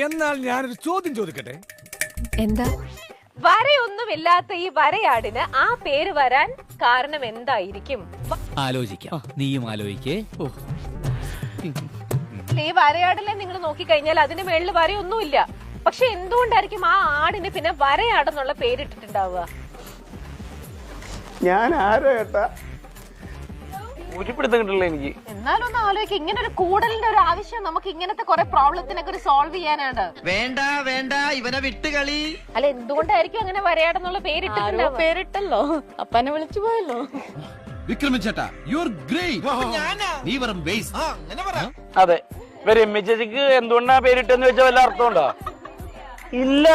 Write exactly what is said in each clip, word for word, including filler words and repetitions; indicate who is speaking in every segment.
Speaker 1: എന്നാൽ ഞാനൊരു ചോദ്യം ചോദിക്കട്ടെ?
Speaker 2: എന്താ?
Speaker 3: വരയൊന്നുമില്ലാത്ത ഈ വരയാടിന് ആ പേര് വരാൻ കാരണം എന്തായിരിക്കും?
Speaker 4: ആലോചിക്കാം, നീയും ആലോചിക്കേ.
Speaker 3: ഈ വരയാടിനെ നിങ്ങൾ നോക്കിക്കഴിഞ്ഞാൽ അതിന് മേളിൽ വരയൊന്നുമില്ല. പക്ഷെ എന്തുകൊണ്ടായിരിക്കും ആ ആടിന് പിന്നെ വരയാടെന്നുള്ള പേരിട്ടിട്ടുണ്ടാവുക?
Speaker 5: ഞാൻ ആരോ ഏട്ടാ
Speaker 6: ഉരുപ്പിടുത്തം കിട്ടില്ല എനിക്ക്.
Speaker 3: എന്നാലും ഒന്ന് ആലോചിക്കുക, ഇങ്ങനെ ഒരു കൂടലിന്റെ ഒരു ആവശ്യം നമുക്ക് ഇങ്ങനത്തെ കുറെ പ്രോബ്ലത്തിനൊക്കെ ഒരു സോൾവ് ചെയ്യാനാണ്.
Speaker 7: വേണ്ട വേണ്ട ഇവനെ വിട്ടുകളി.
Speaker 3: അല്ല, എന്തുകൊണ്ടായിരിക്കും അങ്ങനെ വരയാടെന്നുള്ള പേരിട്ടിട്ടുണ്ടാവുക?
Speaker 2: പേരിട്ടല്ലോ, അപ്പനെ വിളിച്ചു പോയല്ലോ.
Speaker 7: വിക്രമിച്ചേട്ടാ യു ആർ ഗ്രേറ്റ്. നീ വെറും വേസ്റ്റ്. അങ്ങനെ പറ.
Speaker 6: അതെ, ഇവര് എമ്മി ചേച്ചിക്ക് എന്തുകൊണ്ടാ പേരിട്ടെന്ന് വെച്ചാൽ വല്ല അർത്ഥമുണ്ടോ? ഇല്ല.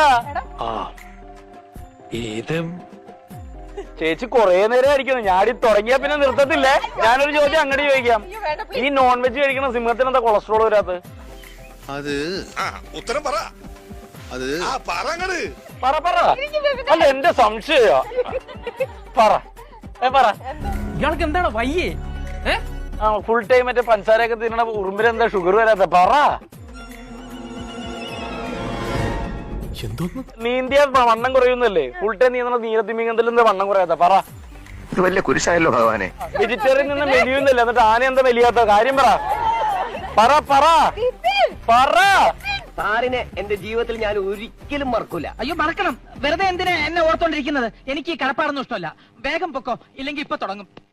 Speaker 6: ചേച്ചി കൊറേ നേരം ആയിരിക്കുന്നു. ഞാടി തുടങ്ങിയാ പിന്നെ നിർത്തത്തില്ലേ. ഞാനൊരു ചോദ്യം അങ്ങോട്ട് ചോദിക്കാം. ഈ നോൺ വെജ് കഴിക്കണ സിംഹത്തിന് എന്താ കൊളസ്ട്രോൾ വരാത്തത്?
Speaker 8: അത് ഉത്തരം പറ. അത്
Speaker 6: പറ പറ. അല്ല, എന്റെ സംശയ പറ പറ.
Speaker 4: ഇയാൾക്ക് എന്താണ് വയ്യേ?
Speaker 6: ആ ഫുൾ ടൈം മറ്റേ പഞ്ചസാരയൊക്കെ തിന്നണ ഉറുമ്പിന് എന്താ ഷുഗർ വരാത്ത? പറ. നീന്തിയ വണ്ണം കുറയുന്നല്ലേ? ഫുൾ ടൈം നീന്തണ നീരത്തിമിങ്ങത്തിൽ എന്താ വണ്ണം കുറയാത്ത? പറ.
Speaker 8: ഇത് വലിയ കുരിശായല്ലോ ഭഗവാനെ.
Speaker 6: വെജിറ്റേറിയൻ നിന്ന് മെലിയുന്നില്ല, എന്നിട്ട് ആന എന്താ മെലിയാത്ത? കാര്യം പറ പറ പറ പറ.
Speaker 9: സാറിനെ എന്റെ ജീവിതത്തിൽ ഞാൻ ഒരിക്കലും മറക്കൂല.
Speaker 4: അയ്യോ, മറക്കണം. വെറുതെ എന്തിനാ എന്നെ ഓർത്തോണ്ടിരിക്കുന്നത്? എനിക്ക് ഈ കടപ്പാടൊന്നും ഇഷ്ടമല്ല. വേഗം പൊക്കോ, ഇല്ലെങ്കിൽ ഇപ്പൊ തുടങ്ങും.